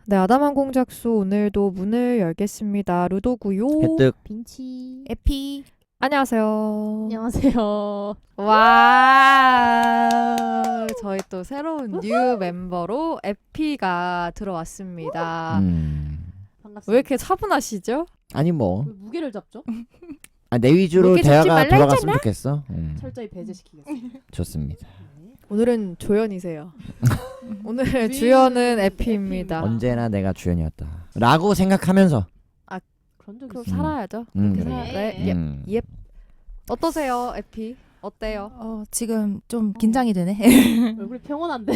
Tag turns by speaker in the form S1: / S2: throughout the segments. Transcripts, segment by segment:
S1: 네, 아담한 공작소 오늘도 문을 열겠습니다. 루도구요.
S2: 혜뜩.
S3: 빈치.
S1: 에피. 안녕하세요.
S3: 안녕하세요.
S1: 와, 저희 또 새로운 뉴 멤버로 에피가 들어왔습니다.
S3: 반갑습니다.
S1: 왜 이렇게 차분하시죠?
S2: 아니 뭐.
S3: 왜 무게를 잡죠?
S2: 내 위주로
S1: 무게 잡지
S2: 대화가
S1: 말라
S2: 돌아갔으면 좋겠어.
S3: 철저히 배제시키겠습니다.
S2: 좋습니다.
S1: 오늘은 조연이세요. 오늘 주연은 에피입니다.
S2: 언제나 내가 주연이었다. 라고 생각하면서.
S3: 그런 적
S1: 그럼
S3: 있어요.
S1: 살아야죠.
S2: 그래.
S1: 그렇게 네, 예.
S2: 음.
S1: 어떠세요, 에피? 어때요?
S4: 지금 좀 긴장이 되네.
S3: 얼굴이 평온한데.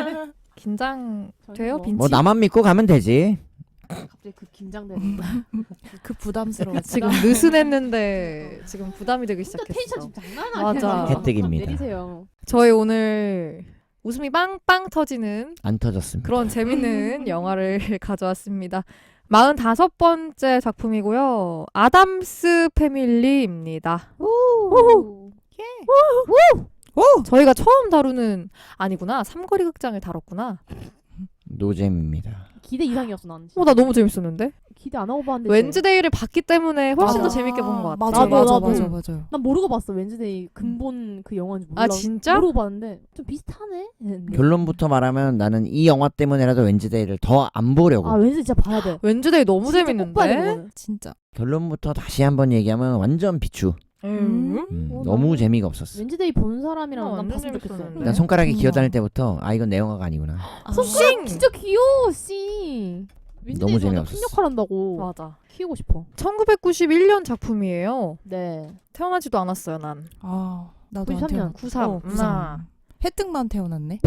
S1: 긴장돼요,
S3: 뭐.
S1: 빈치?
S2: 뭐 나만 믿고 가면 되지.
S3: 갑자기 그 긴장되는 거.
S4: 그 부담스러워.
S1: 지금 느슨했는데 지금 부담이 되기
S3: 진짜
S1: 시작했어.
S3: 텐션 지금 장난 아니야.
S1: 맞아.
S2: 혜택입니다.
S3: 내리세요.
S1: 저희 오늘 웃음이 빵빵 터지는
S2: 안 터졌습니다.
S1: 그런 재밌는 영화를 가져왔습니다. 45번째 작품이고요. 아담스 패밀리입니다.
S3: 오.
S1: 저희가 처음 다루는 아니구나. 삼거리 극장을 다뤘구나.
S2: 노잼입니다.
S3: 기대 이상이었어 난.
S1: 나 너무 재밌었는데.
S3: 기대 안 하고 봤는데.
S1: wednesday를 봤기 때문에 훨씬 더
S4: 맞아.
S1: 재밌게 본 것 같아.
S4: 맞아,
S3: 나도,
S4: 맞아,
S3: 나도.
S4: 맞아, 맞아.
S3: 난 모르고 봤어. 웬즈데이 근본 그 영화인지 몰라.
S1: 아 진짜?
S3: 모르고 봤는데 좀 비슷하네. 했는데.
S2: 결론부터 말하면 나는 이 영화 때문에라도 웬즈데이를 더 안 보려고.
S3: 아 웬즈 진짜 봐야 돼.
S1: wednesday 너무
S3: 진짜 꼭 봐야 돼,
S1: 재밌는데.
S3: 그거는.
S4: 진짜.
S2: 결론부터 다시 한번 얘기하면 완전 비추. 너무
S3: 난
S2: 재미가 없었어.
S3: 웬즈데이 본 사람이랑 난
S1: 완전
S3: 봤으면 좋겠어.
S1: 재밌었는데.
S2: 난 손가락이
S4: 정말.
S2: 기어다닐 때부터 이건 내 영화가 아니구나.
S3: 손가락 진짜 귀여워 씨.
S2: 너무
S3: 웬즈데이에서
S2: 재미없었어.
S3: 큰 역할 한다고.
S1: 맞아.
S3: 키우고 싶어.
S1: 1991년 작품이에요.
S3: 네.
S1: 태어나지도 않았어요, 난.
S4: 나도 안
S3: 93년.
S4: 태어나.
S1: 93.
S4: 93. 혜택만 태어났네.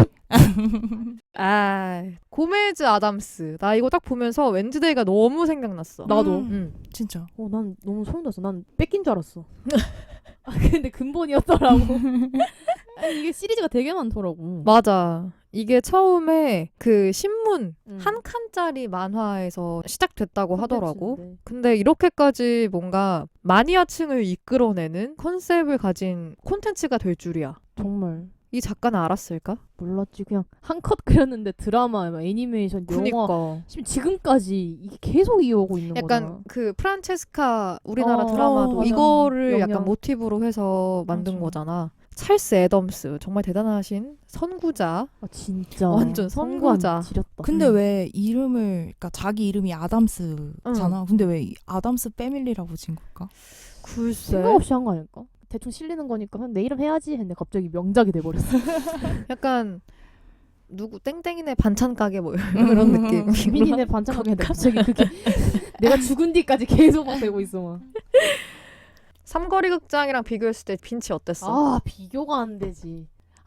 S1: 고메즈 아담스. 나 이거 딱 보면서 웬즈데이가 너무 생각났어.
S3: 나도.
S1: 응.
S4: 진짜.
S3: 난 너무 소름 돋았어. 난 뺏긴 줄 알았어. 아, 근데 근본이었더라고. 아니, 이게 시리즈가 되게 많더라고.
S1: 맞아. 이게 처음에 그 신문
S3: 음.
S1: 한 칸짜리 만화에서 시작됐다고 하더라고.
S3: 콘텐츠인데.
S1: 근데 이렇게까지 뭔가 마니아층을 이끌어내는 컨셉을 가진 콘텐츠가 될 줄이야.
S3: 정말
S1: 이 작가는 알았을까?
S3: 몰랐지. 그냥 한 컷 그렸는데 드라마, 막 애니메이션, 영화
S1: 그니까.
S3: 지금까지 이게 계속 이어오고 있는 거잖아.
S1: 약간 그 프란체스카 우리나라
S3: 어,
S1: 드라마도
S3: 맞아.
S1: 이거를
S3: 영향.
S1: 약간 모티브로 해서 만든
S4: 맞아.
S1: 거잖아. 찰스 애덤스 정말 대단하신 선구자.
S3: 아, 진짜
S1: 완전 선구자.
S3: 지렸다.
S4: 근데 왜 이름을, 그러니까 자기 이름이 아담스잖아. 근데 왜 이 아담스 패밀리라고 지은 걸까?
S1: 글쎄.
S3: 생각 없이 한 거 아닐까? 대충 실리는 거니까 그냥 내 이름 해야지 했는데 갑자기 명작이 돼버렸어.
S1: 약간 누구 땡땡이네 반찬 가게 뭐 이런 느낌.
S3: 민이네 반찬 가게 했는데 갑자기 그게 내가 죽은 뒤까지 계속 막 되고 있어 막.
S1: 삼거리 극장이랑 비교했을 때 빈치 어땠어?
S3: 아 비교가 안 되지.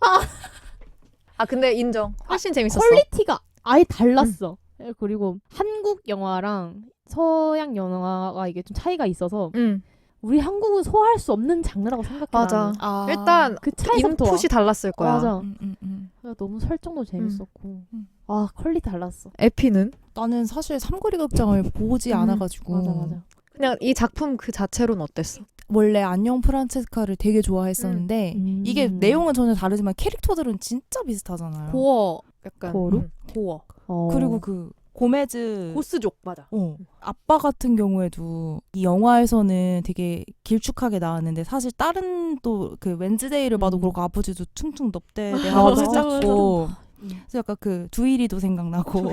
S1: 근데 인정. 훨씬 재밌었어.
S3: 퀄리티가 아예 달랐어. 그리고 한국 영화랑 서양 영화가 이게 좀 차이가 있어서
S1: 응.
S3: 우리 한국은 소화할 수 없는 장르라고 생각해.
S1: 맞아.
S3: 나는.
S1: 일단
S3: 그 차이부터 와.
S1: 인풋이 달랐을 거야.
S3: 맞아.
S4: 음.
S3: 너무 설정도 재밌었고 아 퀄리티 달랐어.
S1: 에피는
S4: 나는 사실 삼거리 극장을 보지 않아가지고.
S3: 맞아.
S1: 그냥 이 작품 그 자체로는 어땠어?
S4: 원래 안녕 프란체스카를 되게 좋아했었는데 이게 내용은 전혀 다르지만 캐릭터들은 진짜 비슷하잖아요.
S1: 고어 약간
S3: 고어로?
S1: 고어.
S4: 그리고 그 고메즈
S1: 고스족 맞아.
S4: 아빠 같은 경우에도 이 영화에서는 되게 길쭉하게 나왔는데 사실 다른 또 그 웬즈데이를 봐도 그렇고 아버지도 퉁퉁 넙대
S3: 맞아.
S4: 내가 작고 그래서 약간 그 두일이도 생각나고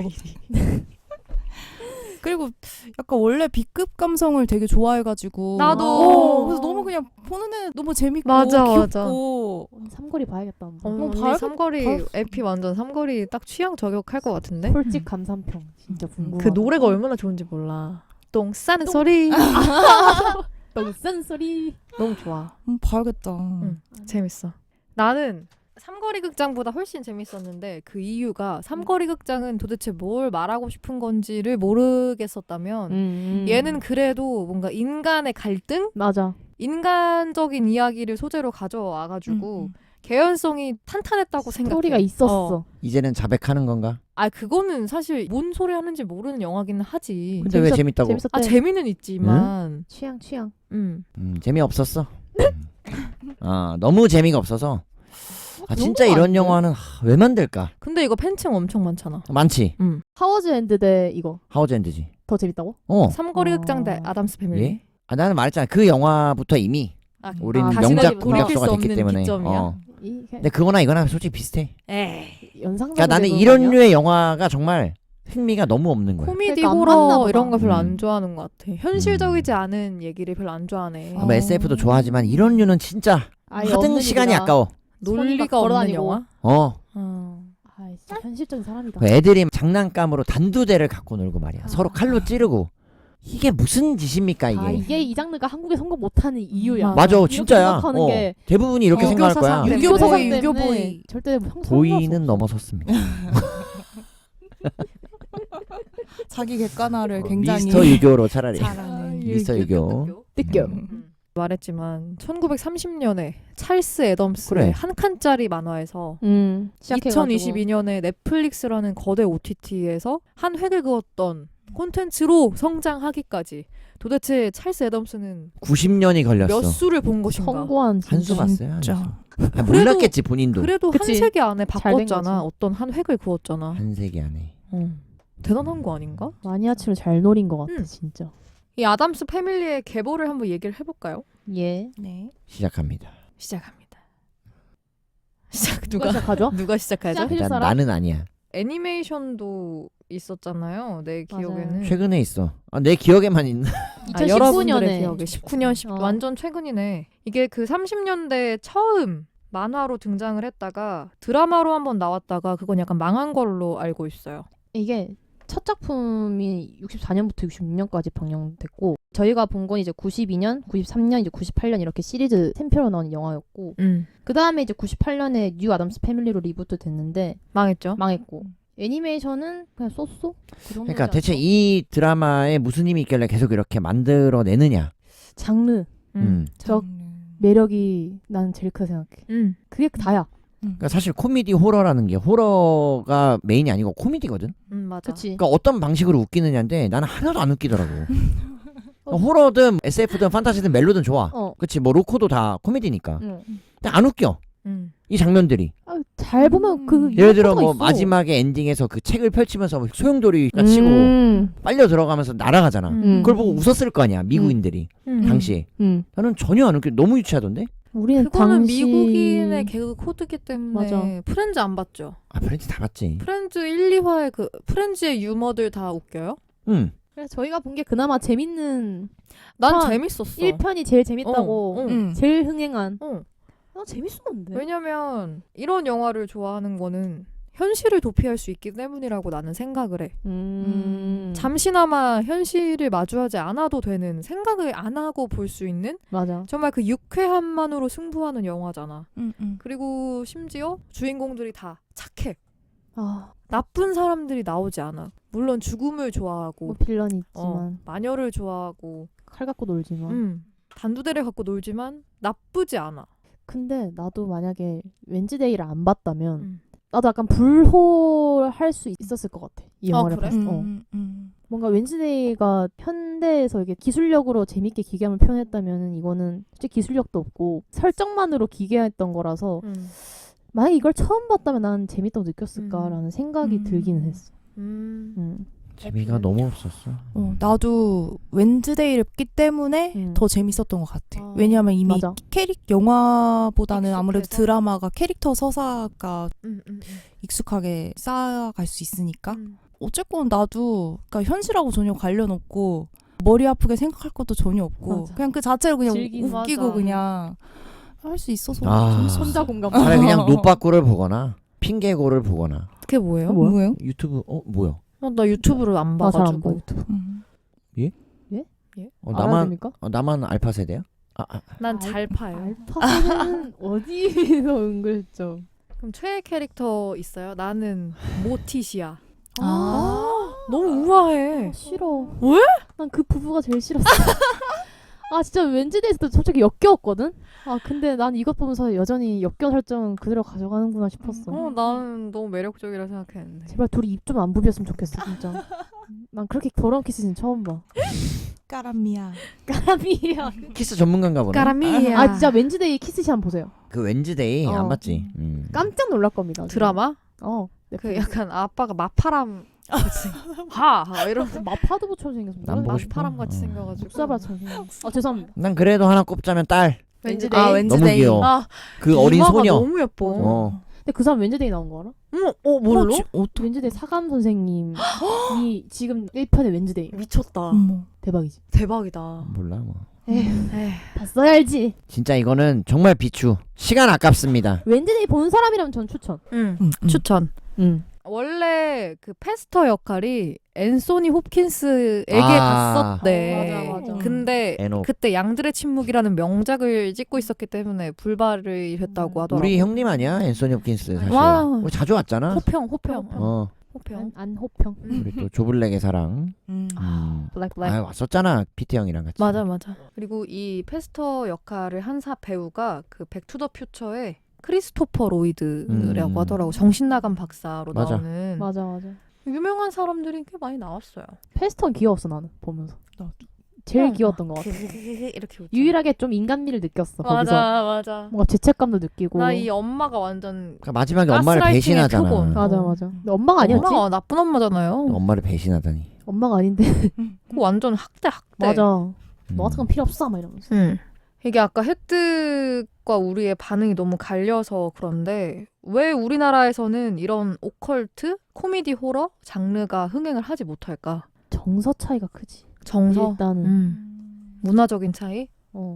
S4: 그리고 약간 원래 B급 감성을 되게 좋아해가지고
S1: 나도.
S4: 그래서 너무 그냥 보는 애 너무 재밌고
S1: 맞아,
S4: 귀엽고
S3: 삼거리 봐야겠다. 한번.
S1: 언니
S4: 봐야겠-
S1: 삼거리
S4: 봐야겠어.
S1: 에피 완전 삼거리 딱 취향 저격할 것 같은데?
S3: 솔직 감상평 진짜 궁금하다.
S1: 그 노래가 얼마나 좋은지 몰라. 똥 싸는 소리
S3: 똥싼 소리.
S1: 너무 좋아.
S4: 봐야겠다.
S1: 재밌어. 나는 삼거리 극장보다 훨씬 재밌었는데 그 이유가 삼거리 극장은 도대체 뭘 말하고 싶은 건지를 모르겠었다면 얘는 그래도 뭔가 인간의 갈등?
S3: 맞아.
S1: 인간적인 이야기를 소재로 가져와가지고 개연성이 탄탄했다고 생각해.
S3: 스토리가 있었어.
S2: 이제는 자백하는 건가?
S1: 그거는 사실 뭔 소리 하는지 모르는 영화기는 하지.
S2: 근데 왜 재밌다고?
S3: 재밌었대.
S1: 재미는 있지만.
S3: 취향.
S1: 음.
S2: 재미없었어. 너무 재미가 없어서 아 진짜 이런 영화는 왜 만들까?
S1: 근데 이거 팬층 엄청 많잖아.
S2: 많지.
S3: 하워즈 엔드 대 이거
S2: 하우즈엔드지.
S3: 더 재밌다고?
S1: 삼거리
S3: 어.
S1: 극장 대 아담스 패밀리.
S2: 예? 아 나는 말했잖아. 그 영화부터 이미 우리는
S1: 다시는
S2: 명작
S1: 돌이킬 수
S2: 공격수가 됐기
S1: 없는
S2: 때문에.
S1: 기점이야?
S3: 이게
S2: 근데 그거나 이거나 솔직히 비슷해.
S1: 에이.
S3: 연상작.
S2: 그러니까 나는 이런 류의 영화가 정말 흥미가 너무 없는 거야.
S1: 코미디
S3: 그러니까 안 맞나
S1: 호러
S3: 보다.
S1: 이런 거 별로
S2: 음.
S1: 안 좋아하는 것 같아. 현실적이지 않은 얘기를 별로 안 좋아하네.
S2: 뭐 SF도 좋아하지만 이런 류는 진짜
S3: 아예
S2: 하등
S3: 없는
S2: 시간이
S3: 얘기다.
S2: 아까워.
S1: 논리가
S3: 걸어
S1: 없는
S3: 다니고.
S1: 영화?
S3: 아 진짜 현실적인 사람이다.
S2: 그 애들이 장난감으로 단두대를 갖고 놀고 말이야. 서로 칼로 찌르고. 이게 무슨 짓입니까 이게?
S3: 아 이게 이 장르가 한국에 성공 못하는 이유야.
S1: 맞아.
S2: 맞아, 진짜야.
S3: 생각하는 게
S2: 대부분이 이렇게
S1: 유교
S2: 생각할 거야.
S1: 사상 때문에.
S3: 유교 사상
S4: 유교
S3: 때문에
S4: 보이.
S3: 절대 형성.
S2: 보이는 넘어섰습니다.
S4: 자기 객관화를 굉장히
S2: 미스터 유교로 차라리.
S4: 잘하는.
S2: 미스터 유교.
S3: 느껴.
S1: 말했지만 1930년에 찰스 애덤스의
S2: 그래.
S1: 한 칸짜리 만화에서
S3: 시작해가지고.
S1: 2022년에 넷플릭스라는 거대 OTT에서 한 획을 그었던 콘텐츠로 성장하기까지 도대체 찰스 애덤스는
S2: 90년이 걸렸어.
S1: 몇 수를 본 것인가?
S3: 성공한
S2: 한 수
S3: 진짜.
S2: 봤어요. 한 수.
S4: 진짜.
S2: 아, 몰랐겠지 본인도.
S1: 그래도
S3: 그치.
S1: 한 세기 안에
S3: 잘된
S1: 바꿨잖아.
S3: 거지.
S1: 어떤 한 획을 그었잖아.
S2: 한 세기 안에.
S1: 대단한 거 아닌가?
S3: 마니아층을 잘 노린 것 같아 진짜.
S1: 이 아담스 패밀리의 계보를 한번 얘기를 해볼까요?
S3: 예.
S4: 네.
S2: 시작합니다.
S1: 시작합니다. 시작
S3: 누가
S1: 누가
S3: 시작하죠?
S1: 누가 시작하죠?
S3: 시작. 해줄
S2: 일단
S3: 사람?
S2: 나는 아니야.
S1: 애니메이션도 있었잖아요. 내
S3: 맞아요.
S1: 기억에는.
S2: 최근에 있어. 아, 내 기억에만 있나?
S1: 여러분들의
S3: 2019년에
S1: 기억에 19년 10 완전 최근이네. 이게 그 30년대 처음 만화로 등장을 했다가 드라마로 한번 나왔다가 그건 약간 망한 걸로 알고 있어요.
S3: 이게 첫 작품이 64년부터 66년까지 방영됐고 저희가 본 건 이제 92년, 93년, 이제 98년 이렇게 시리즈 3편으로 나온 영화였고 그 다음에 이제 98년에 뉴 아담스 패밀리로 리부트 됐는데
S1: 망했죠.
S3: 망했고 애니메이션은 그냥 쏘쏘? 그 정도지
S2: 그러니까 대체
S3: 않았어?
S2: 이 드라마에 무슨 힘이 있길래 계속 이렇게 만들어내느냐.
S3: 장르, 저 매력이 나는 제일 크다 생각해. 그게 다야.
S2: 그러니까 사실 코미디 호러라는 게 호러가 메인이 아니고 코미디거든.
S1: 맞아.
S3: 그치?
S2: 그러니까 어떤 방식으로 웃기느냐인데 나는 하나도 안 웃기더라고. 그러니까 호러든 SF든 판타지든 멜로든 좋아. 그치 뭐 로코도 다 코미디니까. 근데 안 웃겨. 이 장면들이.
S3: 아, 잘 보면 그
S2: 예를 들어
S3: 유머가
S2: 뭐
S3: 있어.
S2: 마지막에 엔딩에서 그 책을 펼치면서 소용돌이가 치고 빨려 들어가면서 날아가잖아. 그걸 보고 웃었을 거 아니야 미국인들이 당시에. 나는 전혀 안 웃겨. 너무 유치하던데.
S3: 우리는
S1: 그거는
S3: 당시
S1: 미국인의 개그 코드기 때문에
S3: 맞아.
S1: 프렌즈 안 봤죠?
S2: 아 프렌즈 다 봤지.
S1: 프렌즈 1, 2화의 그 프렌즈의 유머들 다 웃겨요?
S2: 응.
S3: 그래서 저희가 본 게 그나마 재밌는
S1: 난
S3: 편,
S1: 재밌었어.
S3: 1편이 제일 재밌다고 제일 흥행한 난 재밌었는데
S1: 왜냐면 이런 영화를 좋아하는 거는 현실을 도피할 수 있기 때문이라고 나는 생각을 해. 잠시나마 현실을 마주하지 않아도 되는 생각을 안 하고 볼 수 있는
S3: 맞아.
S1: 정말 그 유쾌함만으로 승부하는 영화잖아. 그리고 심지어 주인공들이 다 착해. 나쁜 사람들이 나오지 않아. 물론 죽음을 좋아하고
S3: 뭐 빌런이 있지만
S1: 마녀를 좋아하고
S3: 칼 갖고 놀지만
S1: 단두대를 갖고 놀지만 나쁘지 않아.
S3: 근데 나도 만약에 웬즈데이를 안 봤다면 나도 약간 불호할 수 있었을 것 같아. 이 영화를
S1: 그래?
S3: 봤을 때. 뭔가 웬즈데이가 현대에서 이게 기술력으로 재밌게 기괴함을 표현했다면 이거는 솔직히 기술력도 없고 설정만으로 기괴했던 거라서 만약에 이걸 처음 봤다면 난 재밌다고 느꼈을까라는 생각이 들기는 했어.
S2: 재미가 너무 없었어.
S4: 나도 웬즈데이를 봤기 때문에 더 재밌었던 것 같아. 왜냐하면 이미
S3: 맞아.
S4: 영화보다는 아무래도
S1: 익숙해서?
S4: 드라마가 캐릭터 서사가 익숙하게 쌓아갈 수 있으니까. 어쨌건 나도 그러니까 현실하고 전혀 관련 없고 머리 아프게 생각할 것도 전혀 없고
S3: 맞아.
S4: 그냥 그 자체로 그냥 웃기고
S1: 맞아.
S4: 그냥 할 수 있어서
S2: 아.
S3: 손자 공감.
S2: 차라리 그냥 노빠꾸를 보거나 핑계고를 보거나.
S1: 그게 뭐예요?
S4: 뭐예요?
S2: 유튜브 뭐야?
S1: 나 유튜브를 안
S3: 나 잘 안 봐.
S1: 봐가지고.
S3: 유튜브. 알아야
S2: 나만
S3: 됩니까?
S2: 나만 알파 세대야?
S1: 난 잘 파요.
S3: 알파는 어디서 은근했죠?
S1: 그럼 최애 캐릭터 있어요? 나는 모티시아.
S4: 아.
S1: 너무 우아해.
S3: 싫어.
S1: 왜?
S3: 난 그 부부가 제일 싫었어. 아 진짜 웬즈데이에서도 솔직히 역겨웠거든. 아 근데 난 이것 보면서 여전히 역겨운 설정 그대로 가져가는구나 싶었어.
S1: 나는 너무 매력적이라 생각했는데.
S3: 제발 둘이 입 좀 안 부비었으면 좋겠어 진짜. 난 그렇게 더러운 키스는 처음 봐.
S4: 까람미야.
S3: 까라미야.
S2: 키스 전문가인가 보네.
S1: 까라미야.
S3: 아 진짜 웬즈데이 키스샷 한번 보세요.
S2: 그 웬즈데이 안 봤지.
S3: 깜짝 놀랄 겁니다.
S1: 드라마?
S3: 네,
S1: 그 약간 아빠가 마파람 같이 하 이러면서
S3: 마파도 붙여서 생겼어.
S2: 난 보고 싶어.
S1: 마파람 같이 생겨가지고.
S3: 묵사발처럼 생겼어. 죄송합니다.
S2: 난 그래도 하나 꼽자면 딸.
S1: 웬즈데이.
S4: 아, 웬즈데이.
S2: 너무 귀여워.
S1: 아,
S2: 그 어린
S1: 이마가
S2: 소녀.
S1: 너무 예뻐.
S3: 근데 그 사람 웬즈데이 나온 거 알아?
S1: 뭘로?
S3: 웬즈데이 사감 선생님이 지금 1편의 웬즈데이.
S1: 미쳤다.
S3: 대박이지.
S1: 대박이다.
S2: 몰라 뭐.
S1: 에휴.
S3: 봤어야 알지.
S2: 진짜 이거는 정말 비추. 시간 아깝습니다.
S3: 웬즈데이 본 사람이라면 전 추천.
S1: 추천.
S3: 응.
S1: 원래 그 페스터 역할이 앤소니 홉킨스에게
S2: 아.
S1: 갔었대.
S3: 맞아.
S1: 근데
S2: 애노.
S1: 그때 양들의 침묵이라는 명작을 찍고 있었기 때문에 불발이 됐다고 하더라고.
S2: 우리 형님 아니야? 앤소니 홉킨스 사실.
S1: 와.
S2: 우리 자주 왔잖아.
S1: 호평.
S3: 네. 안호평.
S2: 우리 또 조블랙의 사랑.
S3: 블랙.
S2: 왔었잖아. 피트 형이랑 같이.
S1: 맞아. 그리고 이 페스터 역할을 한 배우가 그 백투더퓨처의 크리스토퍼 로이드라고 하더라고. 정신 나간 박사로
S2: 맞아.
S1: 나오는.
S3: 맞아.
S1: 유명한 사람들이 꽤 많이 나왔어요.
S3: 페스턴 귀여웠어 나는 보면서.
S4: 나도.
S3: 제일 귀여웠던 것 같아.
S1: 이렇게 웃잖아.
S3: 유일하게 좀 인간미를 느꼈어. 거기서.
S1: 맞아.
S3: 뭔가 죄책감도 느끼고.
S1: 나 이 엄마가 완전
S2: 그러니까 마지막에 엄마를
S1: 가스라이팅의
S2: 배신하잖아.
S1: 표본.
S3: 맞아. 근데 엄마가 아니었지?
S1: 엄마가 나쁜 엄마잖아요.
S2: 엄마를 배신하다니.
S3: 엄마가 아닌데.
S1: 그거 완전 학대.
S3: 맞아.
S2: 음.
S3: 너 같은 건 필요 없어 막 이러면서.
S1: 응. 이게 아까 혜택과 우리의 반응이 너무 갈려서 그런데 왜 우리나라에서는 이런 오컬트, 코미디 호러 장르가 흥행을 하지 못할까?
S3: 정서 차이가 크지.
S1: 정서,
S3: 일단은.
S1: 문화적인 차이?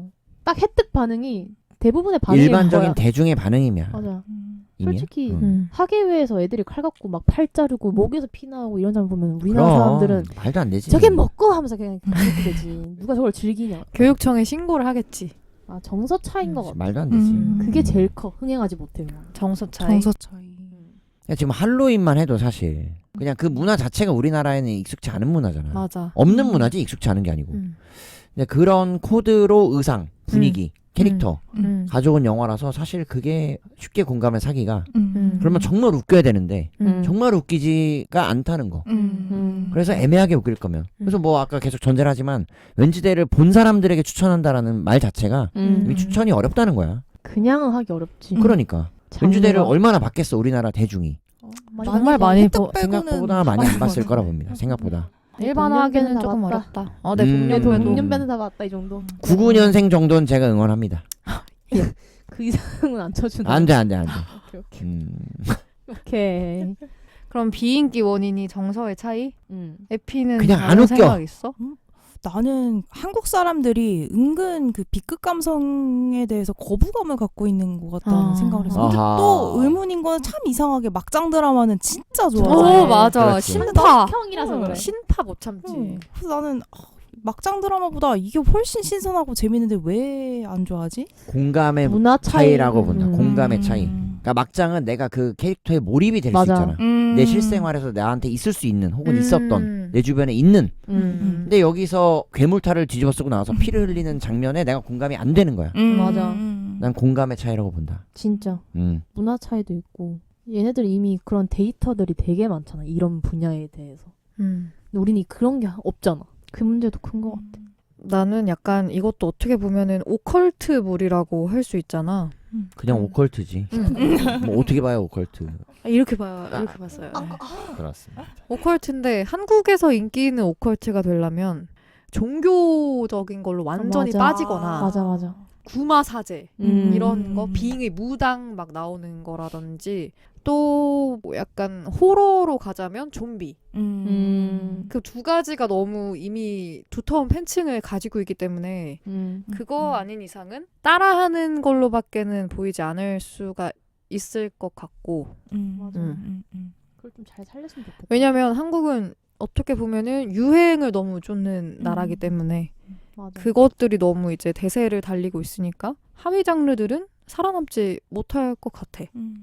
S3: 딱 혜택 반응이 대부분의 반응이
S2: 일반적인
S3: 거야.
S2: 대중의 반응이면.
S3: 맞아.
S2: 이면?
S3: 솔직히
S2: 응.
S3: 학예회에서 애들이 칼 갖고 막 팔 자르고 목에서 피 나오고 이런 사람 보면 우리나라
S2: 그럼,
S3: 사람들은
S2: 말도 안 되지.
S3: 저게 먹고 하면서 그냥 그렇게 되지. 누가 저걸 즐기냐.
S1: 교육청에 신고를 하겠지.
S3: 아 정서 차이인 것 같아.
S2: 말도 안 되지.
S3: 그게 제일 커. 흥행하지 못해. 그냥.
S1: 정서 차이.
S4: 정서 차이.
S2: 그러니까 지금 할로윈만 해도 사실 그냥 그 문화 자체가 우리나라에는 익숙치 않은 문화잖아.
S1: 맞아.
S2: 없는 문화지 익숙치 않은 게 아니고. 근데 그런 코드로 의상, 분위기, 캐릭터 가져온 영화라서 사실 그게 쉽게 공감을 사기가 그러면 정말 웃겨야 되는데 정말 웃기지가 않다는 거. 그래서 애매하게 웃길 거면 그래서 뭐 아까 계속 전제를 하지만 웬즈데이를 본 사람들에게 추천한다라는 말 자체가 이미 추천이 어렵다는 거야.
S3: 그냥은 하기 어렵지.
S2: 그러니까 웬즈데이를 얼마나 봤겠어 우리나라 대중이.
S1: 정말 많이
S4: 혜택 빼고는
S2: 생각보다 많이 안 봤을 거라 봅니다. 생각보다.
S1: 일반화하기는
S3: 다
S1: 조금
S3: 봤다.
S1: 어렵다. 네, 동년배도.
S3: 동년배는 다 봤다 이 정도.
S2: 99년생 정도는 제가 응원합니다.
S3: 그 이상은 안 쳐준다.
S2: 안 돼.
S3: 오케이.
S1: 그럼 비인기 원인이 정서의 차이? 에피는
S2: 그냥 안
S1: 다른
S2: 웃겨.
S1: 생각 있어?
S4: 나는 한국 사람들이 은근 그 B급 감성에 대해서 거부감을 갖고 있는 것 같다는 생각을 해서. 근데
S2: 아하.
S4: 또 의문인 건 참 이상하게 막장 드라마는 진짜 좋아해.
S1: 맞아.
S2: 그렇지.
S1: 신파.
S3: 형이라서 그래.
S1: 신파 못 참지.
S4: 그래서 나는 막장 드라마보다 이게 훨씬 신선하고 재밌는데 왜 안 좋아하지?
S2: 공감의
S3: 문화
S2: 차이라고 본다.
S3: 음.
S2: 공감의 차이. 그러니까 막장은 내가 그 캐릭터에 몰입이 될 수
S3: 맞아.
S2: 있잖아. 내 실생활에서 나한테 있을 수 있는 혹은 있었던 내 주변에 있는. 근데 여기서 괴물탈을 뒤집어 쓰고 나와서 피를 흘리는 장면에 내가 공감이 안 되는 거야.
S3: 맞아.
S2: 난 공감의 차이라고 본다.
S3: 진짜
S2: 음.
S3: 문화 차이도 있고 얘네들 이미 그런 데이터들이 되게 많잖아. 이런 분야에 대해서. 근데 우리는 그런 게 없잖아. 그 문제도 큰 것 같아.
S1: 나는 약간 이것도 어떻게 보면은 오컬트물이라고 할 수 있잖아.
S2: 그냥 오컬트지. 뭐 어떻게 봐요 오컬트.
S1: 이렇게 봐요. 이렇게 봤어요.
S2: 그렇습니다.
S1: 오컬트인데 한국에서 인기 있는 오컬트가 되려면 종교적인 걸로 완전히
S3: 맞아.
S1: 빠지거나
S3: 맞아.
S1: 구마사제 이런 거 비잉의 무당 막 나오는 거라든지 또 뭐 약간 호러로 가자면 좀비 그 두 가지가 너무 이미 두터운 팬층을 가지고 있기 때문에 그거 아닌 이상은 따라하는 걸로밖에는 보이지 않을 수가 있을 것 같고
S3: 맞아. 그걸 좀 잘 살렸으면 좋겠다.
S1: 왜냐면 한국은 어떻게 보면은 유행을 너무 쫓는 나라기 때문에
S3: 맞아.
S1: 그것들이 너무 이제 대세를 달리고 있으니까 하위 장르들은 살아남지 못할 것 같아.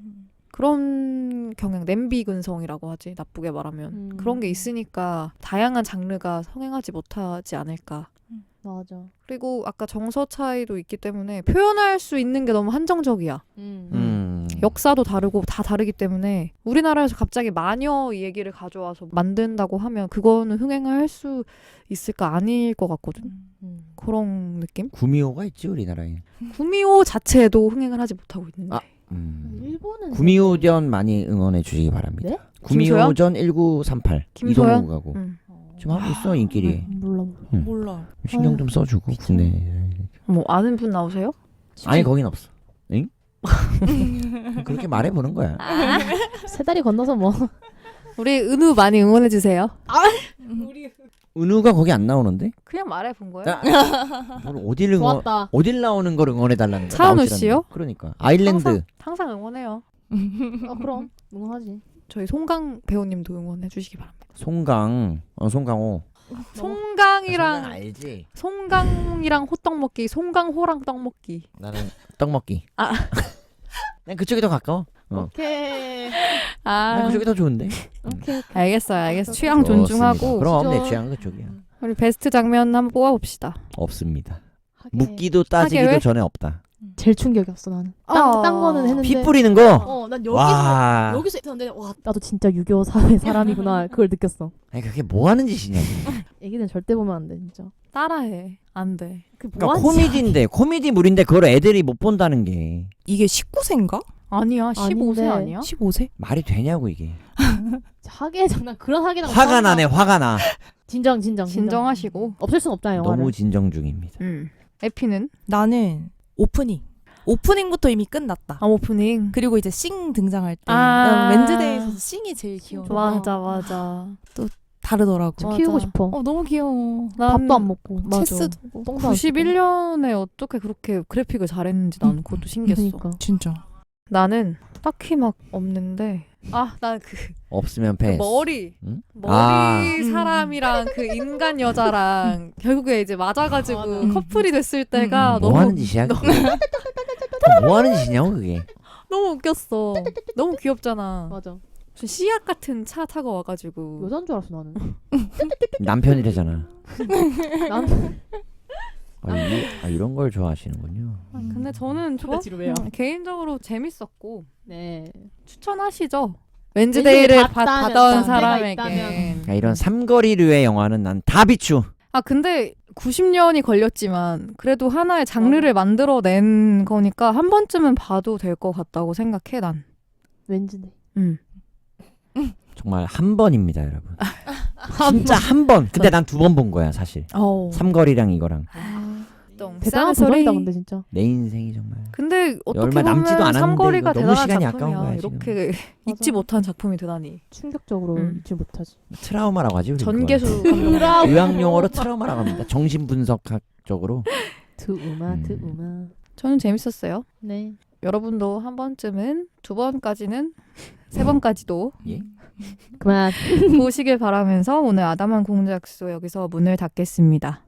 S1: 그런 경향, 냄비 근성이라고 하지, 나쁘게 말하면. 그런 게 있으니까 다양한 장르가 성행하지 못하지 않을까.
S3: 맞아.
S1: 그리고 아까 정서 차이도 있기 때문에 표현할 수 있는 게 너무 한정적이야. 역사도 다르고 다 다르기 때문에 우리나라에서 갑자기 마녀 이 얘기를 가져와서 만든다고 하면 그거는 흥행할 수 있을까 아닐 것 같거든. 그런 느낌?
S2: 구미호가 있지 우리나라에.
S1: 구미호 자체도 흥행을 하지 못하고 있는데.
S2: 아.
S3: 일본은
S2: 구미호전 많이 응원해 주시기 바랍니다.
S3: 네?
S2: 구미호전 1938
S1: 김소연?
S2: 이동욱 가고 지금 하고 있어 인기리에.
S3: 몰라.
S4: 몰라.
S2: 신경 좀 써주고 국내.
S1: 뭐 아는 분 나오세요?
S2: 아니 거긴 없어. 응? 그렇게 말해보는 거야.
S3: 세 다리 건너서 뭐.
S1: 우리 은우 많이 응원해 주세요.
S2: 은우가 거기 안 나오는데?
S1: 그냥 말해 본 거예요.
S2: 뭘 어딜 응원?
S3: 좋았다.
S2: 어딜 나오는 걸 응원해 달라는 거야?
S1: 차은우
S2: 나오질
S1: 씨요?
S2: 않는데. 그러니까 아일랜드.
S1: 항상 응원해요.
S3: 그럼 응원하지.
S1: 저희 송강 배우님도 응원해 주시기 바랍니다.
S2: 송강, 송강호.
S1: 송강이랑
S2: 알지.
S1: 송강이랑 호떡 먹기, 송강호랑 떡 먹기.
S2: 나는 떡 먹기.
S1: 아.
S2: 난 그쪽이 더 가까워.
S3: 오케이.
S2: 난 그쪽이 더 좋은데.
S3: 오케이.
S1: 알겠어요. 취향 존중하고.
S2: 좋습니다. 그럼
S3: 진짜.
S2: 내 취향은 그쪽이야.
S1: 우리 베스트 장면 한번 뽑아봅시다.
S2: 없습니다.
S3: 하게.
S2: 묻기도 따지기도
S1: 하게 왜?
S2: 전에 없다.
S3: 제일 충격이었어 나는. 딴 거는 했는데.
S2: 피 뿌리는 거.
S3: 난
S2: 와.
S3: 여기서 있었는데 와 나도 진짜 유교 사회 사람이구나 그걸 느꼈어.
S2: 아니 그게 뭐 하는 짓이냐.
S3: 애기는 절대 보면 안 돼 진짜.
S1: 따라해. 안 돼.
S2: 그러니까 코미디인데 코미디물인데 그걸 애들이 못 본다는 게
S4: 이게 19세인가?
S1: 아니야. 15세
S3: 아닌데.
S1: 아니야?
S4: 15세?
S2: 말이 되냐고 이게.
S3: 하게 장난 그런 하게랑
S2: 화가 나네 화가 나.
S3: 진정.
S1: 진정하시고.
S3: 없앨 순 없잖아요. 영화를.
S2: 너무 진정 중입니다.
S1: 에피는?
S4: 나는 오프닝부터 이미 끝났다.
S1: 오프닝.
S4: 그리고 이제 싱 등장할 때
S1: 아.
S4: 난 웬즈데이에서 싱이 제일 귀여워.
S1: 맞아.
S4: 다르더라고.
S3: 진짜
S1: 맞아.
S3: 키우고 싶어.
S4: 너무 귀여워.
S3: 밥도 안 먹고.
S1: 맞아.
S4: 체스도 보고.
S3: 똥도 안 씻고.
S1: 91년에 어떻게 그렇게 그래픽을 잘했는지 나는 그것도 신기했어.
S3: 그러니까.
S4: 진짜.
S1: 나는 딱히 막 없는데 난 그
S2: 없으면 패스.
S1: 머리
S2: 응?
S1: 사람이랑 그 인간 여자랑 결국에 이제 맞아가지고 커플이 됐을 때가
S2: 뭐 하는 짓이야? 그게? 뭐 하는 짓이냐고 그게.
S1: 너무 웃겼어. 너무 귀엽잖아.
S3: 맞아.
S1: 무슨 씨앗 같은 차 타고 와가지고
S3: 여자인 줄 알았어 나는.
S2: 남편이래잖아.
S3: 난
S2: 이런 걸 좋아하시는군요.
S1: 근데 저는
S3: 왜요?
S1: 개인적으로 재밌었고
S3: 네.
S1: 추천하시죠. 웬즈데이를
S3: 봤다면,
S1: 받아온
S3: 때가
S1: 사람에게.
S3: 있다면.
S2: 이런 삼거리류의 영화는 난 다 비추.
S1: 근데 90년이 걸렸지만 그래도 하나의 장르를 만들어낸 거니까 한 번쯤은 봐도 될 것 같다고 생각해 난.
S3: 왠지네.
S2: 정말 한 번입니다, 여러분. 진짜 한 번. 근데 난 두 번 본 거야, 사실. 삼거리랑 이거랑.
S3: 대단한 도전이다 근데 진짜.
S2: 내 인생이 정말.
S1: 근데 어떻게
S2: 얼마 남지도
S1: 보면
S2: 않았는데
S1: 삼거리가
S2: 이거 너무
S1: 대단한
S2: 시간이
S1: 작품이야.
S2: 아까운 거야, 지금.
S1: 이렇게 잊지 못한 작품이 되다니.
S3: 충격적으로 잊지 못하지.
S2: 트라우마라고 하지. 우리
S1: 전개수
S2: 그거는. 의학 용어로 트라우마라고 합니다. 정신분석학적으로.
S3: 드우마.
S1: 저는 재밌었어요.
S3: 네.
S1: 여러분도 한 번쯤은 2번까지는 3번까지도
S2: 예?
S3: 그만.
S1: 보시길 바라면서 오늘 아담한 공작소 여기서 문을 닫겠습니다.